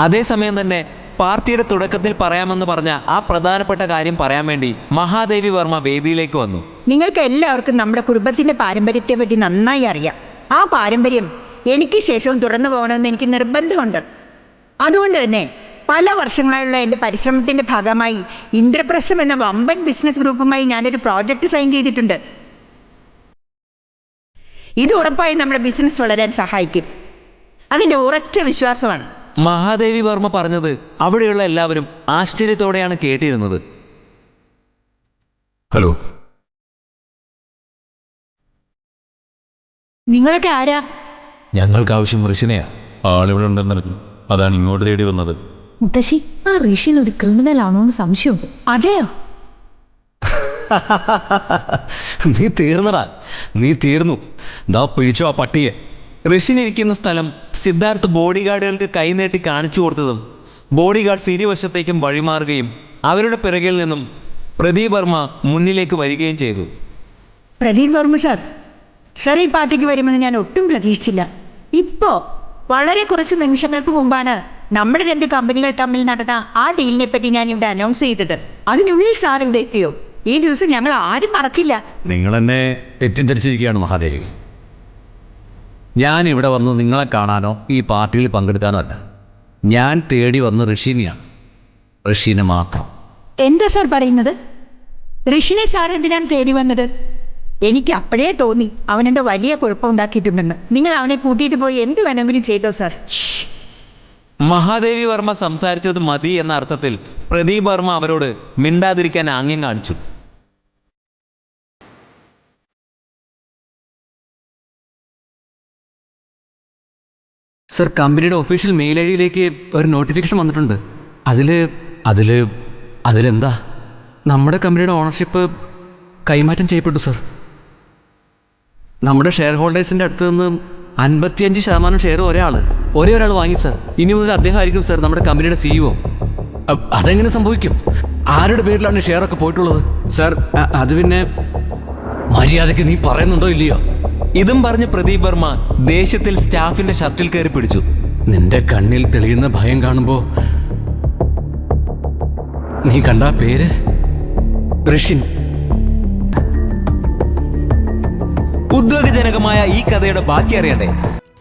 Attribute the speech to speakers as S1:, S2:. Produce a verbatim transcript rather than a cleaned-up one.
S1: അതേസമയം തന്നെ പാർട്ടിയുടെ തുടക്കത്തിൽ പറയാമെന്ന് പറഞ്ഞ ആ പ്രധാനപ്പെട്ട കാര്യം പറയാൻ വേണ്ടി മഹാദേവി വർമ്മ വേദിയിലേക്ക് വന്നു.
S2: നിങ്ങൾക്ക് എല്ലാവർക്കും നമ്മുടെ കുടുംബത്തിന്റെ പാരമ്പര്യത്തെ പറ്റി നന്നായി അറിയാം. ആ പാരമ്പര്യം എനിക്ക് ശേഷവും തുറന്നു പോകണമെന്ന് എനിക്ക് നിർബന്ധമുണ്ട്. അതുകൊണ്ട് തന്നെ പല വർഷങ്ങളായുള്ള എൻ്റെ പരിശ്രമത്തിന്റെ ഭാഗമായി ഇന്ദ്രപ്രസ്ഥം എന്ന വമ്പൻ ബിസിനസ് ഗ്രൂപ്പുമായി ഞാനൊരു പ്രോജക്റ്റ് സൈൻ ചെയ്തിട്ടുണ്ട്. ഇത് ഉറപ്പായും നമ്മുടെ ബിസിനസ് വളരാൻ സഹായിക്കും. അതിൻ്റെ ഉറച്ച വിശ്വാസമാണ്.
S1: മഹാദേവി വർമ്മ പറഞ്ഞത് അവിടെയുള്ള എല്ലാവരും ആശ്ചര്യത്തോടെയാണ് കേട്ടിരുന്നത്.
S3: ഹലോ,
S2: നിങ്ങളൊക്കെ ആരാ?
S3: ഞങ്ങൾക്ക് ആവശ്യം ഋഷിനെയാ. ആളിവിടെ ഉണ്ടെന്നറിഞ്ഞു, അതാണ് ഇങ്ങോട്ട് തേടി വന്നത്.
S4: മുത്തശ്ശി, ആ ഋഷിൻ ഒരു ക്രിമിനൽ ആണോ എന്ന് സംശയമുണ്ട്.
S2: അതെയോ?
S5: നീ തീർന്നടാ, നീ തീർന്നു. ദാ പിടിച്ചോ ആ പട്ടിയെ.
S1: ഋഷിൻ ഇരിക്കുന്ന സ്ഥലം സിദ്ധാർത്ഥ് ബോഡി ഗാർഡുകൾക്ക് കൈനീട്ടി കാണിച്ചു കൊടുത്തതും ബോഡി ഗാർഡ്സ് ഇരുവശത്തേക്കും വഴിമാറുകയും അവരുടെ പിറകിൽ നിന്നും പ്രദീപ് വർമ്മ മുന്നിലേക്ക് വരികയും ചെയ്തു.
S2: പ്രദീപ് വർമ്മ സാർ, സാർ ഈ പാർട്ടിക്ക് വരുമെന്ന് ഞാൻ ഒട്ടും പ്രതീക്ഷിച്ചില്ല. ഇപ്പോൾ വളരെ കുറച്ച് നിമിഷങ്ങൾക്ക് മുമ്പാണ് നമ്മുടെ രണ്ട് കമ്പനികൾ തമ്മിൽ നടന്ന ആ ഡീലിനെ പറ്റി ഞാൻ ഇവിടെ അനൗൺസ് ചെയ്തത്. അതിനുള്ളിൽ സാർ ഇവിടെ എത്തിയോ? ഈ ദിവസം ഞങ്ങൾ ആരും മറക്കില്ല.
S5: നിങ്ങൾ എന്നെ തെറ്റിദ്ധരിച്ചിരിക്കുകയാണ് മഹാദേവി. ഞാൻ ഇവിടെ വന്ന് നിങ്ങളെ കാണാനോ ഈ പാർട്ടിയിൽ പങ്കെടുക്കാനോ അല്ല. ഞാൻ തേടി വന്ന് ഋഷിനെയാണ്, ഋഷിനെ മാത്രം.
S2: എന്താ സാർ പറയുന്നത്? ഋഷിനെ സാർ എന്തിനാണ് തേടി വന്നത്? എനിക്ക് അപ്പോഴേ തോന്നി അവനെന്തോ വലിയ കുഴപ്പമുണ്ടാക്കിയിട്ടുണ്ടെന്ന്. നിങ്ങൾ അവനെ കൂട്ടിയിട്ട് പോയി എന്ത് വേണമെങ്കിലും ചെയ്തോ സാർ.
S1: മഹാദേവി വർമ്മ സംസാരിച്ചത് മതി എന്ന അർത്ഥത്തിൽ പ്രദീപ് വർമ്മ അവരോട് മിണ്ടാതിരിക്കാൻ ആംഗ്യം കാണിച്ചു.
S6: സർ, കമ്പനിയുടെ ഒഫീഷ്യൽ മെയിൽ ഐ ഡിയിലേക്ക് ഒരു നോട്ടിഫിക്കേഷൻ വന്നിട്ടുണ്ട്. അതിൽ
S5: അതിൽ അതിലെന്താ?
S6: നമ്മുടെ കമ്പനിയുടെ ഓണർഷിപ്പ് കൈമാറ്റം ചെയ്യപ്പെട്ടു സർ. നമ്മുടെ ഷെയർ ഹോൾഡേഴ്സിൻ്റെ അടുത്ത് നിന്ന് അൻപത്തിയഞ്ച് ശതമാനം ഷെയർ ഒരാൾ ഒരേ ഒരാൾ വാങ്ങി സർ. ഇനി മുതൽ അദ്ദേഹം ആയിരിക്കും സർ നമ്മുടെ കമ്പനിയുടെ സിഇഒ.
S5: അതെങ്ങനെ സംഭവിക്കും? ആരുടെ പേരിലാണ് ഷെയറൊക്കെ പോയിട്ടുള്ളത്?
S6: സർ, അത് പിന്നെ
S5: മര്യാദയ്ക്ക് നീ പറയുന്നുണ്ടോ ഇല്ലയോ?
S1: ഇതും പറഞ്ഞ് പ്രദീപ് വർമ്മ ദേഷ്യത്തിൽ സ്റ്റാഫിന്റെ ഷർട്ടിൽ കയറി പിടിച്ചു.
S5: നിന്റെ കണ്ണിൽ തെളിയുന്ന ഭയം കാണുമ്പോ നീ കണ്ട പേര്
S6: ഋഷിൻ.
S1: ഉദ്വേഗജനകമായ ഈ കഥയുടെ ബാക്കി അറിയണ്ടേ?